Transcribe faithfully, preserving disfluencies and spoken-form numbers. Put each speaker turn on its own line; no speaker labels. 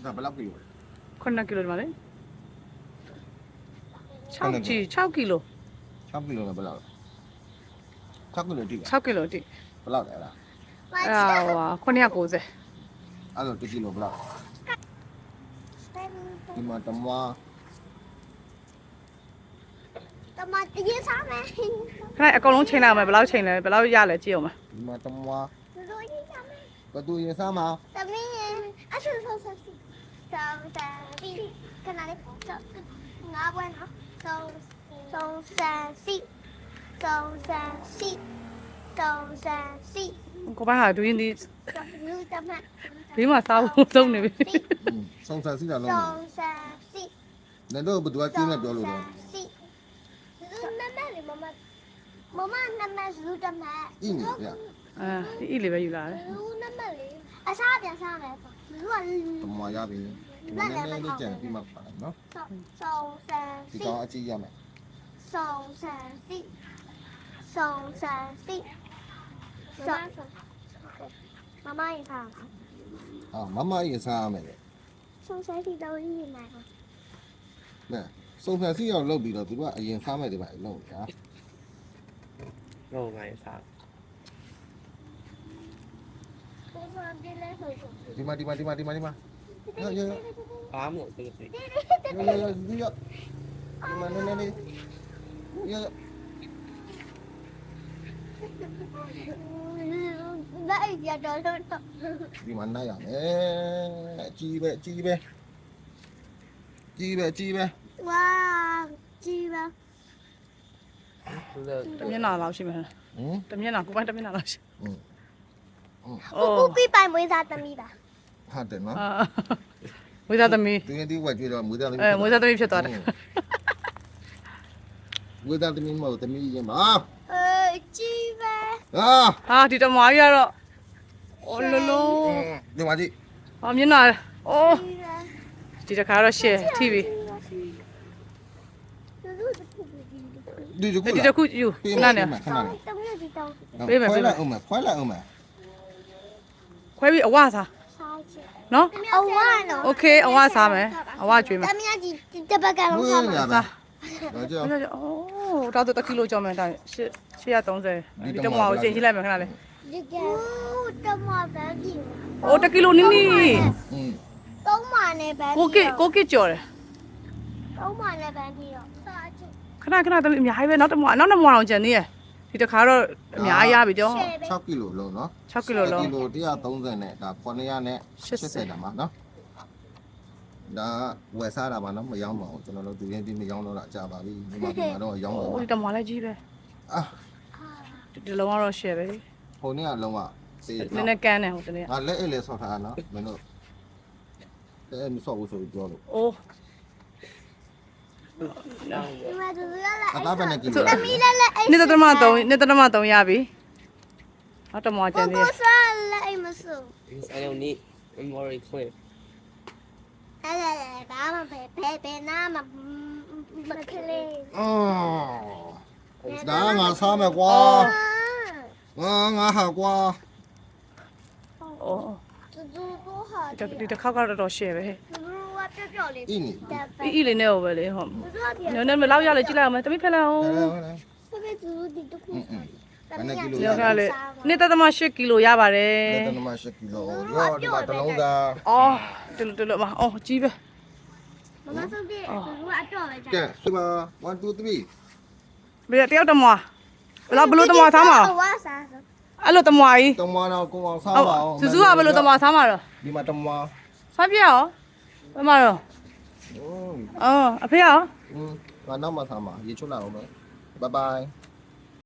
ဒါဘယ်လောက်ကီလိုလဲ
ခုနှစ်ကီလိုဒီမှာလေ6ကီ6ကီလို
၆ကီလိုနဲ့ဘယ်လောက်လဲ၆ကီလိုတိက
6ကီလိုတိ
ဘယ်လောက်လဲအဲ့ဒါ
အဲ့ဒါဟို990
အဲ့တော့တစ်ကီလိုဘယ်လောက်ဒီမှာတမွား
တမတရေစားမယ်
ခဏအကုန်လုံးချိန်လိုက်အောင်မယ်ဘယ်လောက်ချိန်လဲဘယ်လောက်ရလဲကြည့်အောင်မယ်
ဒီမှာတမွား
တို့ရေစားမယ်
ဘသူရင်စားမှာ
တမင်းရဲ့အဆူဆောဆောစီဆောင်းဆန်စီခဏလေးငါးပွဲနော်ဆောင်းဆောင်းဆန်စီဆောင်းဆန်စီဆောင်းဆန်စီ
ကိုပိုင်းဟာဒူရင်ဒီ
လူတမ
ဘေးမှာစားဖို့သုံးနေပြီ
စုံစမ်းစီတာလုံး
ဆောင်းဆန်စီ
လည်းတော့ဘသူကကျင်းနဲ့ပြောလို့တော့
စီလူနမလေးမမမမနမလူတမ
အင်းဗျာ
အဲဒီအီလေးပဲယူလာတယ်
လူနမလေးအစားပြန်စားမယ်လူက
တမွားရပြီဒီမှာနည်းနည်းလေးကြံပြီးမှပါနော်
ဆောင်းဆန်
ဒီ
စီ
ကောင်အကြည့်ရမယ်
ဆောင်းဆန်စီဆောင်းဆန်စီဆောင်းမမရင်စား
ဟာမမရင်စားရမယ်လေ
ဆောင်းဆန်စီတော့ရည်နိုင်ပါ
နဲစုံစမ်းစီရောက်လုပ်ပြီးတော့သူကအရင်စားမယ်ဒီမှာလုပ်ညာ
ဟုတ်ပါရဲ့စား
ကိုယ်ကပြလဲဆို
ဒီမှာဒီမှာဒီမှာဒီမှာဒီမှာရရရ
ဘာမှမဟုတ်ဘူးစိ
ရရဒီရဒီမှာနည်းနည်းလေးရ
လိုက်ရတော့တော့
ဒီမှာနိုင်ရမယ်ကြီးပဲကြီးပဲကြီးပဲကြီးပဲ
ဝါကြည့်ပါ
လို့
တမျက်နှာလောက်ရှိမယ်
ဟမ်
တမျက်နှာကိုပိုင်းတမျက်နှာလောက်ရှိ
อืม
ကိုကိုပြပိုင်မွေးသားသမီးပါ
ဟာတယ်နော်
အာဝိဇာသမီး
သူရင်ဒီဝက်ကျွေးတော့မွေးသားသမီး
အဲဝိဇာသမီးဖြစ်သွားတယ်
မွေးသားသမီးမဟုတ်သမီးရင်ပါ
အဲကြည့်ပါ
ဟာ
ဟာဒီတမွားကြီးကတော့အော်လလုံး
ဒီမှာကြည့်
ဟာမျက်နှာအော်
ကြည့်ပါ
ဒီတစ်ခါတော့ရှယ်ထိပြီ
ဒီက
ဒီတစ်ခုယူခဏနေ
ခဏနေ
တောင်းတမီးဒီတောင်း
ပေးမယ်ပေးမယ်
ခွဲလိုက်အောင်မယ်ခွဲလိုက်အောင်မယ်
ခွဲပြီးအဝစား
စားချင်
နော်
အဝါနော်
โอเคအဝစားမယ်အဝကျွေးမယ်
တမီးကြီးတပတ်ကလုံး
မွေး
စား
ရ
မှာ
တာတော့ကြောက်
အော်ဒါတော့တစ်ကီလိုကျော်မယ်ဒါရှစ်ရှစ်ရ30ဒီတမွားကိုချိန်ကြည့်လိုက်မယ်ခဏလေး
ဒီကဲတမဗန်ကြီး
အိုးတစ်ကီလိုနီးနီး
อืม
သုံးမာနဲ့ဗန်
ကိုကစ်ကိုကစ်ကျော်တယ်
သုံးမာနဲ့ဗန်ကြီးတော့စားချင်
ခဏခဏသမီးအများကြီးပဲနောက်တမွားနောက်တမွားအောင်ကျန်သေးရဒီတစ်ခါတော့အများကြီးရပြီကြော
၆ကီလိုလုံးနော်
6ကီလိုလုံး
ကီလိုone thirtyနဲ့ဒါ900နဲ့80တာမှာနော်ဒါဝယ်စားတာပါနော်မရောင်းပါဘူးကျွန်တော်တို့သူရင်ဒီမရောင်းတော့တာကြာပါပြီဒီမှာဒီမှာတော့ရောင်းတော့
အိုးဒီတမွားလည်းကြီးပဲ
အာ
ဒီလုံးကတော့ share ပဲ
ဟိုနေ့ကလုံးဝစေး
နည်းနည်းကန်းတယ်ဟိုတနေ့
ငါလက်အိတ်လေးဆော့ထားတာနော်မင်းတို့အဲမဆော့ဘူးဆိုပြီးပြောလို့
အိုး
ဒီမှာသူရလာ
အသားပဲနဲ့ကီလို
တမီးလည်းလည်းအိမ်
နှစ်တမ3နှစ်တမ3ရပြီနောက်တမွားကျန်သေး
ကိုစားလည်းအိမ်မစိုး
I don't need memory clip
ဟဲ့လေဘာမှပဲဘယ်ဘယ်နာမမကလေး
အော်ဒါငါစားမယ်ကွာငါငါဟာကွာ
အိုး
သူသူကိုဟာ
ဒီဒီတစ်ခါကတော့တော် share ပဲ
သူတို့ကပြပြလေး
အင်းနေ
အီအီလေးနဲ့ဟိုပဲလေဟုတ်
သူတို့ကပြ
နည်းနည်းမလောက်ရလေကြည့်လိုက်အောင်မယ်တမိဖက်လိုက်အောင်
ပြပြသူတို့ဒီတခု
ဘယ်နဲ့ကီလို
ဒီကလေနှစ်တသမ8ကီလိုရပါတယ်
လက်တနမရှိကီလိုရောဒီမှာတစ်လုံးသား
အော်တူတူလို့မအော်ကြီးပဲ
မမဆုံးပြသူတို့ကအတော့ပဲ
ကဲဒီမှာone two three
ဘယ်တယောက်တမွားဘယ်လိုဘယ်လိုတမွားစားမှာ
ဝါစား
အဲ့လိုတမွားကြီး
တမွားတော့ကိုအောင်စား
ဟုတ်
ပါအောင်
စုစုကဘယ်လိုတမွားစားမှာတော့
ဒီမှာတမွား
စားပြရောဘယ်မှာတော့
อืม
အော်အဖေရော
อืมငါနောက်မှစားမှာရေချွတ်လာအောင်မယ်ဘိုင်ဘိုင်